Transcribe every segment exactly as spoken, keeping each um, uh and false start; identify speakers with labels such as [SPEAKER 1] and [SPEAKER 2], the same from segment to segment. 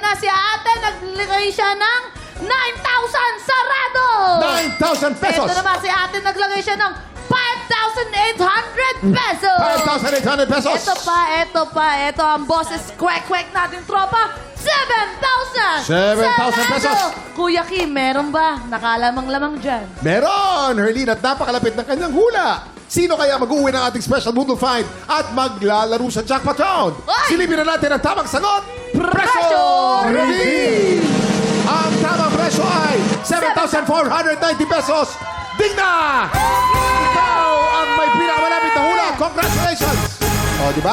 [SPEAKER 1] na si ate, naglagay siya ng nine thousand sarado!
[SPEAKER 2] nine thousand pesos!
[SPEAKER 1] Ito naman si ate, naglagay siya ng five thousand eight hundred pesos!
[SPEAKER 2] five thousand eight hundred pesos!
[SPEAKER 1] Ito pa, ito pa, ito ang boses kwek-kwek natin tropa, seven thousand!
[SPEAKER 2] seven thousand pesos!
[SPEAKER 1] Kuya Kim, meron ba? Nakalamang-lamang dyan.
[SPEAKER 2] Meron! Herlene, at napakalapit ng kanyang hula. Sino kaya mag-uwi ng ating special Boodle Find at maglalaro sa jackpot round?
[SPEAKER 1] Oy!
[SPEAKER 2] Silipin na natin ang tamang sagot.
[SPEAKER 1] Presyo
[SPEAKER 2] reveal! Ang tamang presyo ay seven thousand four hundred ninety pesos. Digna! Ikaw ang may pinakamalapit na hula. Congratulations! O, di ba?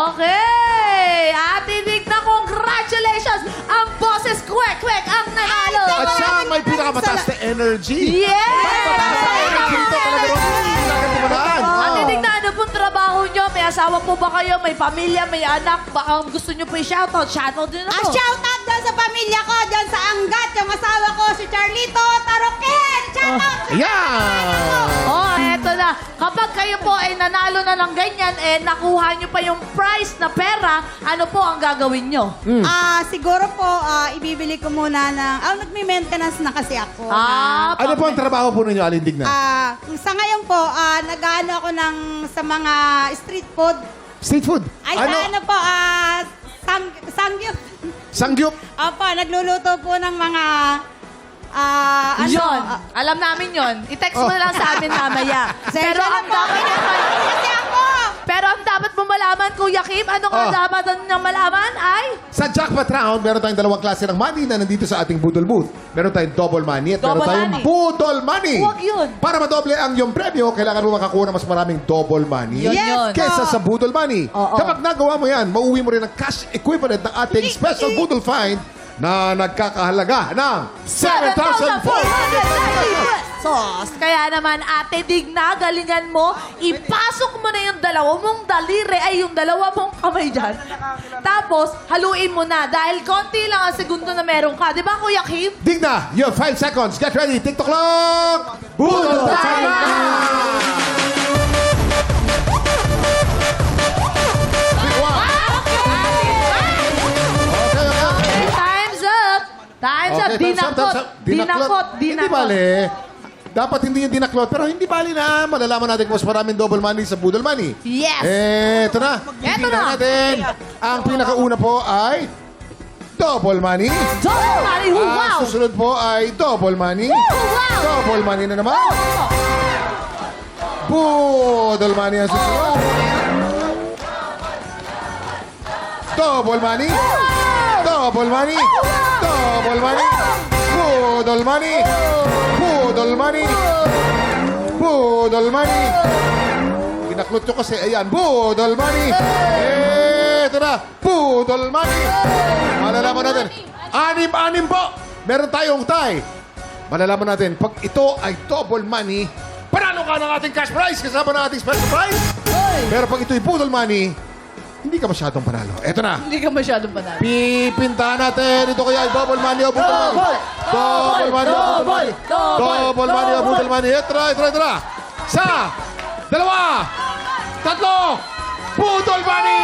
[SPEAKER 1] Okay! Ate Digna, congratulations! Ang boses kwek-kwek ang nanalo!
[SPEAKER 2] At siya ang may pinakamataas na energy.
[SPEAKER 1] Yes!
[SPEAKER 2] Mataas na energy ito. Talaga naman. Hindi na katumanaan.
[SPEAKER 1] Ate Digna, ano pong trabaho nyo? May asawa po ba kayo? May pamilya? May anak? Baka gusto nyo po i-shoutout? Shoutout din
[SPEAKER 3] Ah,
[SPEAKER 1] ako.
[SPEAKER 3] shoutout dyan sa pamilya ko, dyan sa Angat, yung asawa ko, si Charlito Taroken. Shoutout!
[SPEAKER 2] Ayan!
[SPEAKER 1] Oh, eto na. Kapag kayo po ay nanalo na ng ganyan, eh, nakuha nyo pa yung prize na pera, ano po ang gagawin nyo?
[SPEAKER 3] Ah, siguro po, ah, ibibili ko muna ng... Ah, nagme-maintenance na kasi ako.
[SPEAKER 1] Ah,
[SPEAKER 2] Ano po ang trabaho po ninyo, Aling Digna?
[SPEAKER 3] Ah, sa ngayon po, ah, nag-ano ako ng sa mga street food.
[SPEAKER 2] Street food.
[SPEAKER 3] Ay, sa ano po, ah, sang, sangyup.
[SPEAKER 2] Sangyup.
[SPEAKER 3] Opo, nagluluto po ng mga, ah, ano.
[SPEAKER 1] Yun.
[SPEAKER 3] ah,
[SPEAKER 1] Alam namin yon. I-text mo na lang sa amin mamaya. Pero
[SPEAKER 3] Sensya na
[SPEAKER 1] ang
[SPEAKER 3] po.
[SPEAKER 1] dapat
[SPEAKER 3] Kasi ako.
[SPEAKER 1] Pero ang dapat mo malaman, Kuya Kim, ano nga
[SPEAKER 2] Oh.
[SPEAKER 1] dapat niyang malaman ay
[SPEAKER 2] Sa jackpot round, meron tayong dalawang klase ng money na nandito sa ating Boodle Booth. Meron tayong double money at meron
[SPEAKER 1] Double
[SPEAKER 2] tayong
[SPEAKER 1] money.
[SPEAKER 2] Boodle money.
[SPEAKER 1] Huwag yun.
[SPEAKER 2] Para madoble ang iyong premyo, kailangan mo makakuha ng mas maraming double money.
[SPEAKER 1] Yun,
[SPEAKER 3] Yes,
[SPEAKER 1] yun.
[SPEAKER 2] Kesa sa Boodle money.
[SPEAKER 1] Oo.
[SPEAKER 2] Kapag nagawa mo yan, mauwi mo rin ang cash equivalent ng ating special Boodle Find na nagkakahalaga ng seven thousand four hundred pesos.
[SPEAKER 1] Sos. Kaya naman, Ate Digna, galingan mo, ipasok mo na yung dalawa mong daliri, ay yung dalawa mong kamay dyan. Tapos, haluin mo na. Dahil konti lang ang segundo na meron ka. Di ba, Kuya Kim?
[SPEAKER 2] Digna, you have five seconds. Get ready. TikTok clock. Boodle time na! Pick one. Okay, okay.
[SPEAKER 1] Time's up! Time's up!
[SPEAKER 2] Okay,
[SPEAKER 1] Dinakot!
[SPEAKER 2] time's up, time's up.
[SPEAKER 1] Dinakot!
[SPEAKER 2] Hindi
[SPEAKER 1] Dinakot!
[SPEAKER 2] bali. Dapat hindi yung dinaklot. Pero hindi bali na. Malalaman natin kung mas maraming double money sa Boodle money.
[SPEAKER 1] Yes!
[SPEAKER 2] Eh, ito na.
[SPEAKER 1] Eto
[SPEAKER 2] Tingnan
[SPEAKER 1] na.
[SPEAKER 2] natin. Ang pinakauna po ay double money.
[SPEAKER 1] Double money!
[SPEAKER 2] Ang
[SPEAKER 1] Wow!
[SPEAKER 2] susunod po ay double money.
[SPEAKER 1] Wow!
[SPEAKER 2] Double money na naman. Boodle money ang susunod. Double money. Double money. Double money. Boodle money. Boodle money. Boodle money. Kinaklot nyo kasi. Ayan. Boodle money. Eh, ito na. Boodle money. Malalaman natin. Anim-anim po. Meron tayong tie. Malalaman natin. Pag ito ay double money, panalo ka ng ating cash prize kasama ng ating special prize. Pero pag ito'y boodle money, hindi ka masyadong panalo. Ito na.
[SPEAKER 1] Hindi ka masyadong panalo.
[SPEAKER 2] Pipintahan natin. Ito kaya ay double money o boodle money. Double money o boodle money. Double money o boodle money. Ito na, ito na, ito na. Sa dalawa, tatlo, boodle money!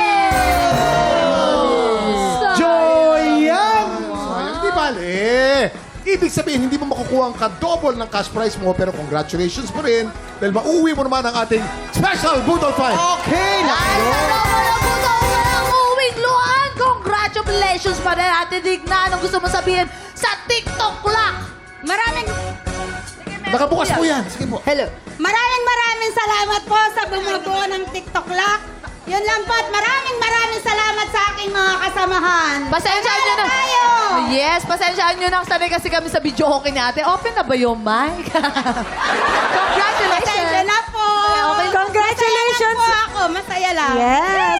[SPEAKER 2] Joyan! Sayang, di bali. Ibig sabihin, hindi mo makukuha ang ka-double ng cash prize mo, pero congratulations mo rin dahil mauwi mo naman ang ating special Boodle Find. Okay!
[SPEAKER 1] Ay, sa double na puto, walang uwing luhaan! Congratulations pa rin, Ate Digna. Anong gusto mo sabihin sa TikTok clock?
[SPEAKER 3] Maraming,
[SPEAKER 2] Nakabukas po yan. Sige po.
[SPEAKER 1] Hello.
[SPEAKER 3] maraming maraming salamat po sa bumubuo ng TikTok Lock. Yun lang po at maraming maraming salamat sa aking mga kasamahan.
[SPEAKER 1] Pasensyahan nyo na.
[SPEAKER 3] Tayo!
[SPEAKER 1] Yes, pasensyahan nyo na. Sanay kasi kami sa video okay ni ate. Open na ba yung mic?
[SPEAKER 3] Pasensya
[SPEAKER 1] Congratulations.
[SPEAKER 3] na po.
[SPEAKER 1] Okay, congratulations.
[SPEAKER 3] Masaya lang po ako. Masaya lang.
[SPEAKER 1] Yes.